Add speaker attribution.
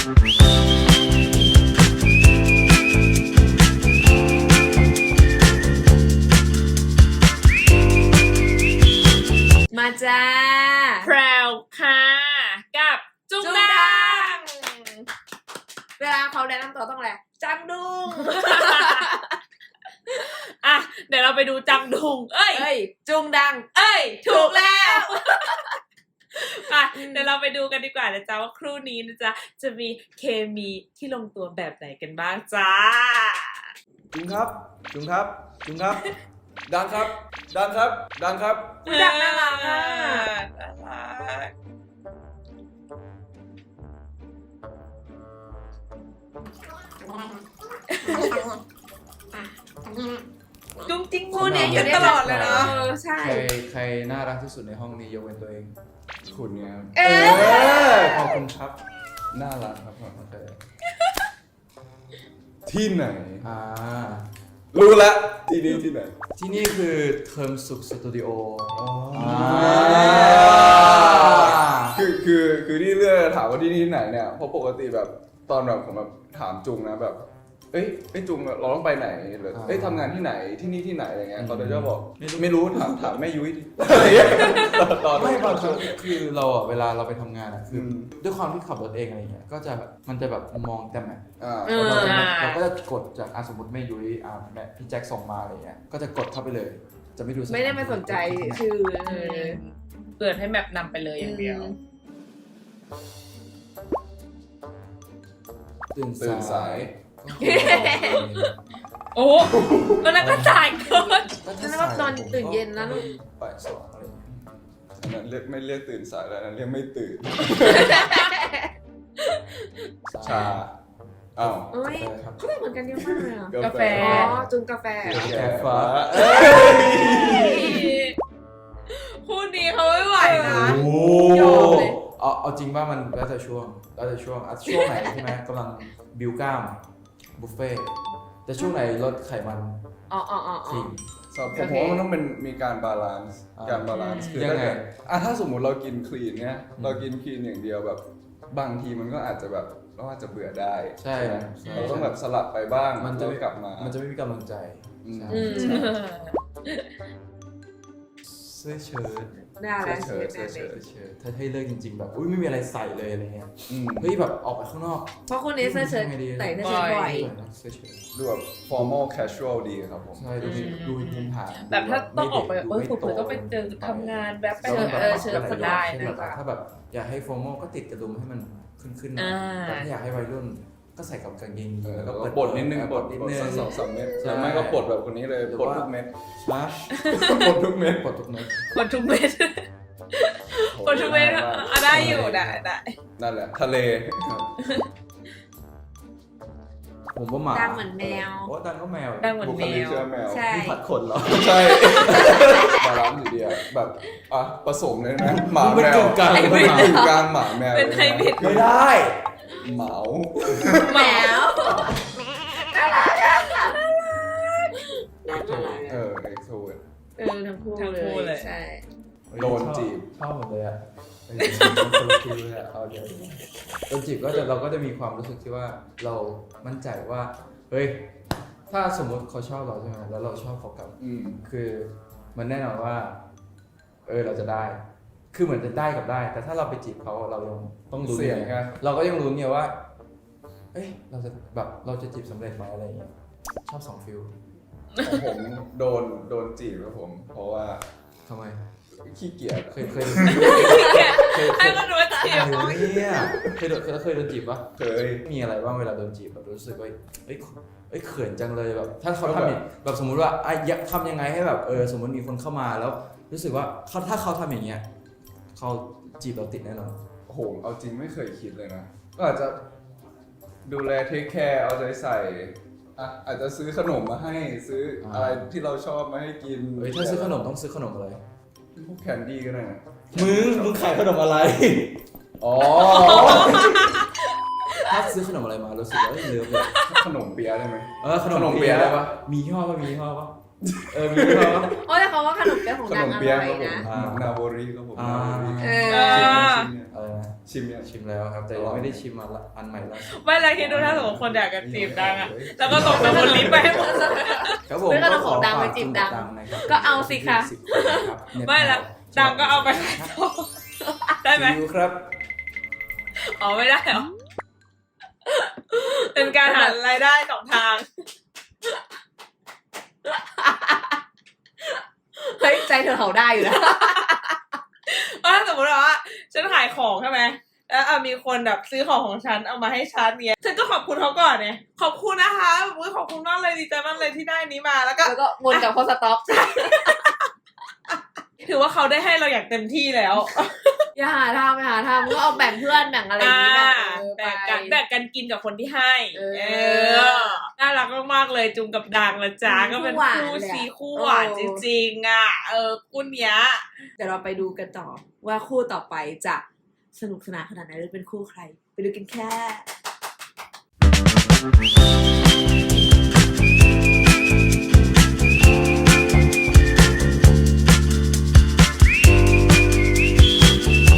Speaker 1: มาจ้า
Speaker 2: แพรวค่ะกับจุงดัง
Speaker 1: เวลาเขาแนะนำตัวต้องอะไรจังดุง
Speaker 2: อ่ะเดี๋ยวเราไปดูจังดุงเอ้ย
Speaker 1: จุงดัง
Speaker 2: ถูกแล้วอ่ะเดี๋ยวเราไปดูกันดีกว่านะจ๊ะว่าครู่นี้นะจ๊ะจะมีเคมีที่ลงตัวแบบไหนกันบ้างจ้า
Speaker 3: จุงครับจุงครับจุงครับดังครับดังครับดังครับ
Speaker 1: ดังน่ารักอ่ะ
Speaker 2: น่ารักจุงจริงคู่นี้อยู่ตลอดเลยเนาะ
Speaker 1: ใช่
Speaker 4: ใครน่ารักที่สุดในห้องนี้ยกเว้นตัวเอง
Speaker 3: คุณเนี่ยครับ
Speaker 4: ขอบคุณครับน่ารักครับผมเคย
Speaker 3: ที่ไหน
Speaker 4: รู้
Speaker 3: ละที่นี่ที่ไหน
Speaker 4: ที่นี่คือเทอมสุขสตูดิโอ
Speaker 3: คือที่เลือกถามว่าที่นี่ที่ไหนเนี่ยเพราะปกติแบบตอนแบบผมแบบถามจุงนะแบบเอ้ยจุงเราต้องไปไหนหรือทำงานที่ไหนที่นี่ที่ไหนอะไรเงี้ยเขาจะบอกไม่รู้ถามแม่ยุ้ยดิตอน
Speaker 4: ไม่บางครั้งคือเราอ่ะเวลาเราไปทำงานอ่ะคือด้วยความที่ขับรถเองอะไรเงี้ยก็จะมันจะแบบมองแต่แมพเราก็จะกดจากสมมติแม่ยุ้ยแม่พี่แจ็คส่งมาอะไรเงี้ยก็จะกดเข้าไปเลยจะไม่ดู
Speaker 1: ไม่ได้มาสนใจชื่อ
Speaker 2: เปิดให้แมปนำไปเลยอย่างเดียว
Speaker 3: ตื่นสาย
Speaker 2: โอ้ก็นั่นก็สายเกิน
Speaker 1: นั่นก็ตอนตื่นเย็นนะลูก
Speaker 4: บ่าย 2อะไร
Speaker 3: อันนั้นเรียกไม่เรียกตื่นสายแล้วนั้นเรียกไม่ตื่นชาอ้าว
Speaker 1: เขาเหมือนกันเยอะมากเลย
Speaker 2: กาแฟ
Speaker 1: จุงกาแฟ
Speaker 3: ฟ้า
Speaker 2: คู่นี้เขาไม่ไหวนะ
Speaker 4: ยอมเลยเอาจริงว่ามันแล้วแต่ช่วงไหนใช่ไหมกำลังบิวกล้ามบุฟเฟ่แต่ช่วงไหนลดไขมัน
Speaker 1: ทิ้ง
Speaker 3: ผมว่ามันต้องเป็นมีการบาลานซ์คือยังไงถ้าสมมุติเรากินคลีนเนี่ยเรากินคลีนอย่างเดียวแบบบางทีมันก็อาจจะแบบเราอาจจะเบื่อได้
Speaker 4: ใช่
Speaker 3: เราต้องแบบสลับไปบ้างมันจะกลับมา
Speaker 4: มันจะไม่มีกำลังใจเสื้อเชิ้ต
Speaker 1: น่ารัก
Speaker 4: ถ้าให้เลิกจริงๆแบบไม่มีอะไรใส่เลยอะไรเงี้ยเฮ้ยแบบออกไปข้างนอก
Speaker 1: เพราะคนนี้เสื้อเชิ้ตใส่เสื้อเชิ้ตบ่อย
Speaker 3: ดูแบบ formal casual ดีครับผม
Speaker 4: ใช่ดูภูมิฐาน
Speaker 2: แบบถ้าต้องออกไปผมก็ไปเจอทำงานแบบเชิ้ตก็ได้นะ
Speaker 4: ถ้าแบบอยากให้ formal ก็ติดกระดุมให้มันขึ้นแต่ถ้าอยากให้วัยรุ่นก็ใส่กับกางเกง
Speaker 3: แล้วก็ปลดนิดนึงปลด2-3 เม็ดแล้วไม่ก็ปลดแบบคนนี้เลยปลดทุกเม็ดปลดทุกเม็ด
Speaker 2: ได้อยู่ได้
Speaker 3: นั่นแหละทะเล
Speaker 4: ผมว่าหมา
Speaker 1: ดังเหมือนแมว
Speaker 4: ดังก็แมว
Speaker 2: ดังเหมือนแมว
Speaker 1: ใช่
Speaker 4: ผัดขนเหรอ
Speaker 3: ใช่บาลานซ์อยู่ดีแบบผสมเลยนะหมาแมวกลางหมาแมว
Speaker 2: เป็นไฮบริด
Speaker 4: ไม่ได้
Speaker 3: เหมา
Speaker 1: แมวน่ารัก
Speaker 3: ไอ้โซน
Speaker 1: ทั้งคู่เลยใช่
Speaker 3: โดนจีบ
Speaker 4: ชอบหมดเลยอ่ะเอาเดี๋ยวโดนจีบก็จะเราก็จะมีความรู้สึกที่ว่าเรามั่นใจว่าเฮ้ยถ้าสมมติเขาชอบเราใช่ไหมแล้วเราชอบเขากลับคือมันแน่นอนว่าเราจะได้คือเหมือนจะได้กับได้แต่ถ้าเราไปจีบเขาเรายังต้องลุ้นไงเราก็ยังลุ้นไงว่าเราจะจีบสำเร็จไหมอะไรอย่างเงี้ยชอบ2 ฟิล
Speaker 3: ผมโดนจีบครับผมเพราะว่า
Speaker 4: ทำไม
Speaker 3: ขี้เกียจ
Speaker 4: เคย
Speaker 2: ให้มันรู้จีบ
Speaker 4: เนี่ยเคยโดนจีบปะ
Speaker 3: เคย
Speaker 4: มีอะไรบ้างเวลาโดนจีบแบบรู้สึกว่าเขินจังเลยแบบถ้าเขาทำแบบสมมุติว่าทำยังไงให้แบบสมมติมีคนเข้ามาแล้วรู้สึกว่าถ้าเขาทำอย่างเงี้ยเขาจีบเราติดแน่นอน
Speaker 3: โอ้โหเอาจริงไม่เคยคิดเลยนะก็อาจจะดูแลเทคแคร์เอาใจใส่อาจจะซื้อขนมมาให้ซื้ออะไรที่เราชอบมาให้กิน
Speaker 4: ถ้าซื้อขนมต้องซื้อขนมอะไร
Speaker 3: พวกแคนดี้ก็ได้นะ
Speaker 4: มึงขายขนมอะไรถ้าซื้อขนมอะไรมารู้สึกว่าเลิฟเลย
Speaker 3: ขนมเปี๊ยะได้ไหม
Speaker 4: ขนมเปี๊ยะได้ปะมียี่ห้อปะมียี่ห้อปะ
Speaker 1: แต่เขาว่าขนมเปี๊ยะของนางอร่อยนะ
Speaker 3: นาโบริก็ผม
Speaker 4: อะไรนะ
Speaker 3: ชิมยัง
Speaker 4: ชิมแล้วครับ แต่ยังไม่ได้ชิมอันใหม่ล่าสุด
Speaker 2: ไม่แล้วคิดดูถ้าสมมติคนอยากจะจีบดังอะแล้วก็ส่งไปบนลิฟต์ไปให้หมดเลย
Speaker 4: ครับผม
Speaker 1: ไม่ต้องเอาของดังไปจีบดัง
Speaker 4: นะครับ
Speaker 1: ก็เอาสิคะ
Speaker 2: ไม่ละดังก็เอาไปขายต่อได้ไหม
Speaker 4: ดูครับ
Speaker 2: อ๋อไม่ได้เหรอ เป็นการหารายได้สองทาง
Speaker 1: เฮ้ยใจเธอเห่าได้อยู่นะ
Speaker 2: ถ้าสมมติว่าฉันขายของใช่ไหมแล้วมีคนแบบซื้อของของฉันเอามาให้ฉันเนี่ยฉันก็ขอบคุณเขาก่อนเนี่ยขอบคุณนะคะขอบคุณมากเลยดีใจมากเลยที่ได้นี้มาแล้วก็
Speaker 1: แล้วก็วนกลับเข้าสต็อก
Speaker 2: ถือว่าเขาได้ให้เราอย่างเต็มที่แล้ว
Speaker 1: อย่าหาทำก็เอาแบ่งเพื่อนแบ่งอะไรอย่างนี้
Speaker 2: แบ่งกัน
Speaker 1: ไป
Speaker 2: แบ่งกันกินกับคนที่ให้
Speaker 1: เออ
Speaker 2: น่ารักมากๆเลยจุงกับดังนะจ๊ะก็เป็นคู่ซีคู่หวานจริงๆอ่ะคู่เนี้ย
Speaker 1: เดี๋ยวเราไปดูกันต่อว่าคู่ต่อไปจะสนุกสนานขนาดไหนหรือเป็นคู่ใคร ไปดูกันแค่